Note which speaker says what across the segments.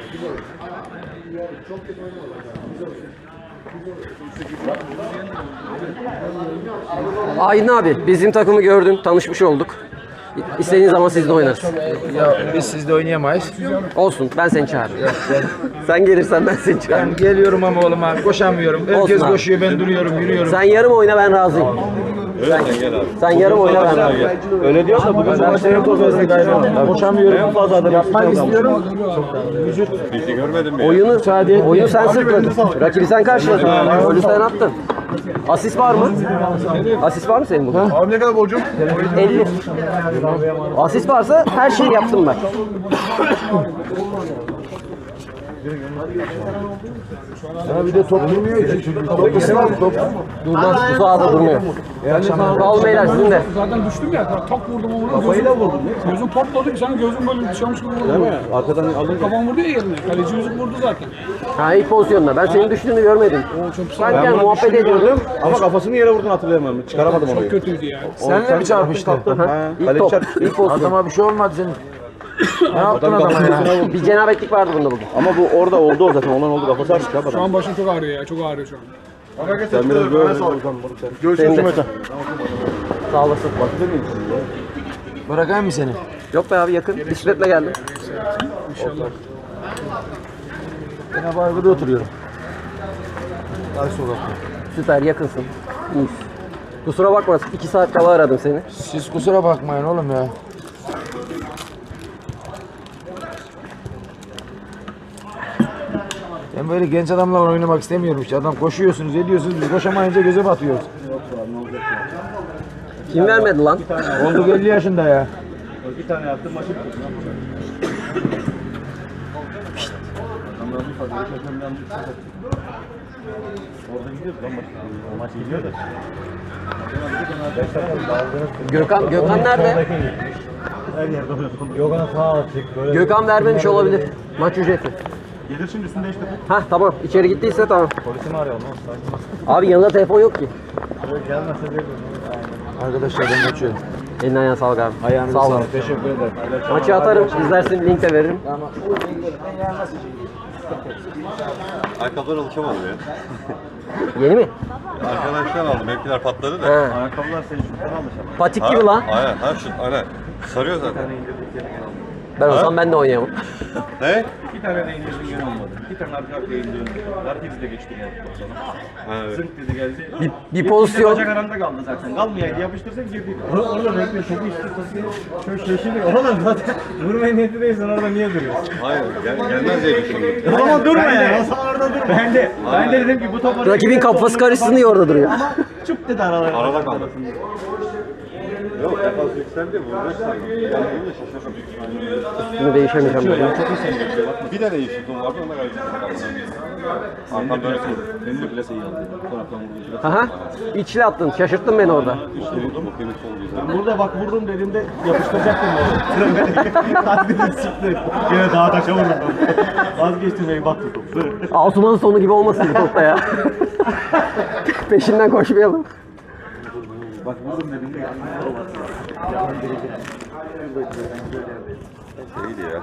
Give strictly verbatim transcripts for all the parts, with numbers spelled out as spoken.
Speaker 1: Aydın abi, bizim takımı gördün, tanışmış olduk. İstediğin zaman sizle oynarız.
Speaker 2: Ya biz sizle oynayamayız.
Speaker 1: Olsun, ben seni çağırırım. Sen gelirsen ben seni çağırırım.
Speaker 2: Ben geliyorum ama oğlum abi koşamıyorum. Herkes
Speaker 1: Olsun abi.
Speaker 2: koşuyor, ben duruyorum, yürüyorum.
Speaker 1: Sen yarım oyna, ben razıyım. Sen, sen yarım oyna, ben razıyım.
Speaker 3: Öyle diyorsa bugün
Speaker 2: Ben senin tozunu galiba. Koşamıyorum.
Speaker 3: en fazla adam
Speaker 2: Yapmak istiyorum.
Speaker 3: bizi görmedin mi?
Speaker 1: Oyunu, oyunu sen sırtladın. Rakibi sen karşıladın. Golü sen attın. Asist var mı? Asist var mı senin bugün?
Speaker 3: Abi ne kadar borcum?
Speaker 1: elli. Asist varsa her şeyi yaptım ben.
Speaker 2: Ya bir de top durmuyor ki. Top ısrar top.
Speaker 1: Durmaz, bu sahada durmuyor. Sağ olun beyler, sizin de.
Speaker 4: Zaten düştüm ya, tak vurdum onu. Kafayla vurdum. Gözüm patladı, sen gözüm böyle dışarmış gibi vurdu.
Speaker 3: Arkadan alın.
Speaker 4: Kafam vurdu ya yerine, kaleci yüzük vurdu zaten.
Speaker 1: Ha, ilk pozisyonda. Ben senin düştüğünü görmedim. Ben yani muhabbet ediyordum.
Speaker 3: Ama kafasını yere vurdun hatırlayamam. Çıkaramadım onu.
Speaker 4: Kötüydü yani.
Speaker 2: Seninle mi çarpıştı?
Speaker 1: İlk top, ilk pozisyon.
Speaker 2: Adama bir şey olmadı senin. Ne yaptın adama ya?
Speaker 1: Bir cenabetlik vardı bunda bugün.
Speaker 3: Ama bu orada oldu o zaten. Ondan oldu kafası açmış abi.
Speaker 4: Şu an başım çok ağrıyor ya, çok ağrıyor şu an.
Speaker 3: Sen biraz böyle.
Speaker 1: Senin de. Sağ olasın.
Speaker 2: Bırakayım mı seni?
Speaker 1: Yok be abi, yakın. Bisikletle geldim.
Speaker 4: İnşallah.
Speaker 2: Ben bu arkada oturuyorum. Ay sokakta.
Speaker 1: Süper, yakınsın. İyiyiz. Kusura bakma, iki saat kala aradım seni.
Speaker 2: Siz kusura bakmayın oğlum ya. Ben böyle genç adamlarla oynamak istemiyorum işte. Adam koşuyorsunuz, ediyorsunuz, biz koşamayınca göze batıyoruz.
Speaker 1: Kim vermedi lan?
Speaker 2: Oldu elli yaşında ya.
Speaker 3: Bir tane yaptım maçı bitirdim. Orada gidiyoruz lan maç. Maç gidiyor da.
Speaker 1: Gökhan, Gökhan nerede?
Speaker 3: Her yerde oynadım. Yogan sağ açık böyle.
Speaker 1: Gökhan vermemiş olabilir. Maç ücreti.
Speaker 3: Gelir şimdi üstünde işte.
Speaker 1: Hah tamam, içeri gittiyse tamam.
Speaker 3: Polisi mi arayalım?
Speaker 1: Abi yanında telefon yok ki.
Speaker 3: Gelmezse bir.
Speaker 2: Arkadaşlar ben kaçıyorum.
Speaker 1: Eline ayağına sağlık abi.
Speaker 2: Ayağınıza
Speaker 1: Sağ olun.
Speaker 2: sağlık. Teşekkür ederim.
Speaker 1: Maçı atarım, izlersin, link de veririm.
Speaker 2: Tamam.
Speaker 3: Ayakkabılara alışamadım ya.
Speaker 1: Yeni mi?
Speaker 3: Arkadaşlar aldım. Benimkiler patladı da.
Speaker 1: He.
Speaker 3: Ayakkabılar senin şuttan almış ama.
Speaker 1: Patik gibi lan.
Speaker 3: Aynen. Ha şut. Aynen. Sarıyor zaten.
Speaker 1: Ben olsam ben de oynayamam.
Speaker 3: Ne?
Speaker 5: İki tane de indirdim gene olmadı. İki tane arka arkaya indirdim. Herkesi de geçtim o sana.
Speaker 3: Ha, evet.
Speaker 5: Zınk dedi geldi.
Speaker 1: Bir, bir pozisyon.
Speaker 5: Bacak aranda kaldı zaten. Kalmayaydı yapıştırsak girdik. Orada bekle çok istiyorsun. Çok şaşırdık. Oğlum zaten vurmaya niyetindeysen orada niye duruyorsun?
Speaker 3: Hayır. Gel, gelmez diye düşündüm.
Speaker 5: O zaman durma yani. O zaman orada durma. Ben de, ben de dedim ki bu top
Speaker 1: Rakibin kafası karışsın diye orada duruyor.
Speaker 5: Ama çıp dedi aralara.
Speaker 3: Arada kaldı. Yok, defans yükseldi. Vuracak sandım. Yani bunu da şaşırdım.
Speaker 1: Üstünü değişemeyeceğim ben.
Speaker 3: Bir tane iyi şutum vardı. Ona gayet Arkam böyle kaldı.
Speaker 5: Benim de plase iyi aldı. Taraftan vurdu.
Speaker 1: Aha. İçli attın. Şaşırttın beni orada.
Speaker 3: İşte vurdum. Bu kemik sol güzel.
Speaker 5: Ben burada bak vurdum dediğimde yapıştıracaktım onu. Kalbini sıktı. Yine daha taşa vurdum. Vazgeçtim beni battı top.
Speaker 1: Asuman'ın sonu gibi olmasın bu topta ya. Peşinden koşmayalım.
Speaker 5: Bak vurdum dediğimde
Speaker 3: İyiydi ya.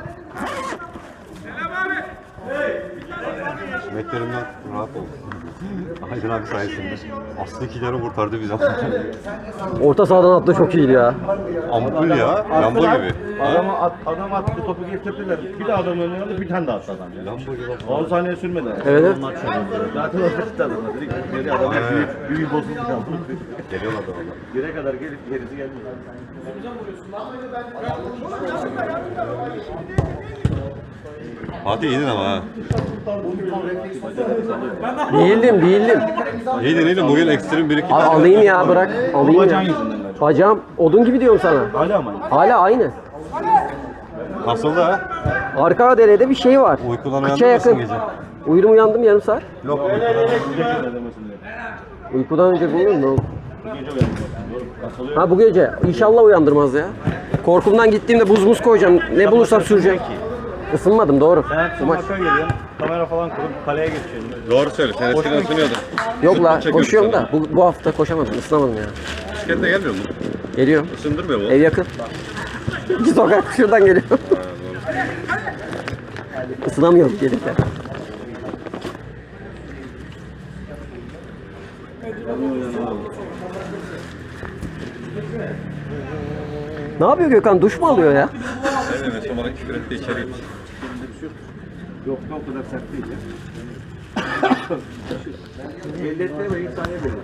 Speaker 3: Meklerimden rahat oldu. Aydın abi sayesinde. Aslı iki kere kurtardı bizi.
Speaker 1: Orta sahadan attı, çok iyiydi ya.
Speaker 3: Ampul ya. Lamba gibi.
Speaker 5: Adama at, adam attı topu getirdiler. Bir de adam önüne aldı bir tane daha attı adam. Ya.
Speaker 3: Lamba gibi.
Speaker 5: on saniye sürmedi.
Speaker 1: Evet, evet.
Speaker 5: Maç sonunda. Zaten orada gitti adamlar. Dedik geri adam büyük, büyük bozuldu kaldı.
Speaker 3: Geliyorlar da valla.
Speaker 5: Bire kadar gelip gerisi gelmedi.
Speaker 3: Fatih iyiydin ama ha.
Speaker 1: Değildim, değildim.
Speaker 3: İyiydin iyiydin. Bugün ekstrem bir iki
Speaker 1: Abi
Speaker 3: tane.
Speaker 1: alayım ya, bırak. Alayım
Speaker 5: Bacağın
Speaker 1: ya.
Speaker 5: yüzünden galiba.
Speaker 1: Bacağım odun gibi diyorum sana.
Speaker 5: Hala mı?
Speaker 1: Hala aynı.
Speaker 3: Nasıldı ha?
Speaker 1: Arka derede bir şey var.
Speaker 3: Uykudan
Speaker 1: Kıça
Speaker 3: uyandın mısın
Speaker 1: yakın.
Speaker 3: gece?
Speaker 1: Uyudum, uyandım yarım saat.
Speaker 3: Yok.
Speaker 1: Uykudan önce bulundum. Ne oldu?
Speaker 5: Gece uyandım. Doğru. Asılıyor.
Speaker 1: Ha, bu gece. İnşallah uyandırmaz ya. Korkumdan gittiğimde buz muz koyacağım. Ne bulursam süreceğim. Isınmadım, doğru.
Speaker 5: Sen
Speaker 1: Bu maç.
Speaker 5: maça geliyorsun. Kamera falan kurup kaleye geçiyorsun.
Speaker 3: Doğru söyle. Sen eskiden ısınıyordun.
Speaker 1: Yok la,
Speaker 3: Çekiyorsun
Speaker 1: koşuyorum
Speaker 3: sana.
Speaker 1: da bu, bu hafta koşamadım, ısınamadım ya.
Speaker 3: Bisiklette gelmiyor mu?
Speaker 1: Geliyorum.
Speaker 3: Isındırmıyor mu?
Speaker 1: Ev yakın. İki sokak şuradan geliyorum.
Speaker 3: Ha, doğru.
Speaker 1: Isınamıyorum gelirken. Ne yapıyor Gökhan? Duş mu alıyor ya?
Speaker 3: Evet, Mesut bana küfür etti içeri gitmiş.
Speaker 5: Yok o kadar sert değil ya. Belli etmeyi saniye belli.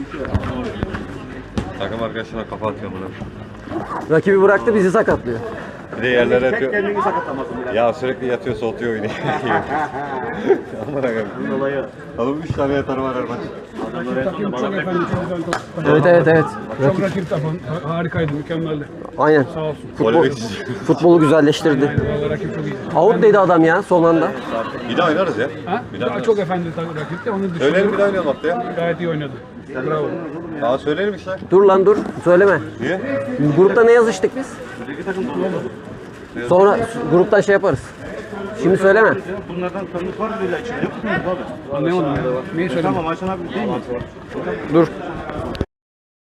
Speaker 3: Takım arkadaşına kafa atıyor bunu.
Speaker 1: Rakibi bıraktı bizi sakatlıyor.
Speaker 3: Bir de yerlere
Speaker 5: Tek
Speaker 3: atıyor.
Speaker 5: kendini sakatlamasın biraz.
Speaker 3: Ya sürekli yatıyor, soğutuyor oyunu. Aman akım.
Speaker 5: Bunun olayı.
Speaker 3: Oğlum üç tane yatarı var her maç.
Speaker 5: Adamlar en
Speaker 4: Takım
Speaker 5: sonunda
Speaker 4: çok
Speaker 5: bana
Speaker 4: efendi, çok güzel top.
Speaker 1: Evet evet evet.
Speaker 4: Çok rakip takım. Ha- Harikaydı, mükemmeldi.
Speaker 1: Aynen.
Speaker 4: Sağ olsun.
Speaker 1: Futbol,
Speaker 3: Polemik.
Speaker 1: futbolu güzelleştirdi.
Speaker 4: Vallahi rakip çok iyi.
Speaker 1: Out dedi adam ya son anda.
Speaker 3: Bir daha oynarız ya.
Speaker 4: Ha?
Speaker 3: Bir daha
Speaker 4: Daha
Speaker 3: oynarız.
Speaker 4: çok efendi takım rakipti. Onun dışında
Speaker 3: Söyleyelim bir daha oynayalım haftaya.
Speaker 4: gayet iyi oynadı. Bravo.
Speaker 3: Daha söyleyelim işte.
Speaker 1: Dur lan dur. Söyleme.
Speaker 3: Niye?
Speaker 1: Grupta ne yazıştık biz? Sonra gruptan şey yaparız. Şimdi söyleme.
Speaker 5: bunlardan tanıdık var mı böyle içinde? Yok mu abi?
Speaker 4: Anlayamadım ya. Neyi söyledim?
Speaker 5: Tamam Ayşen abi değil mi?
Speaker 1: Dur.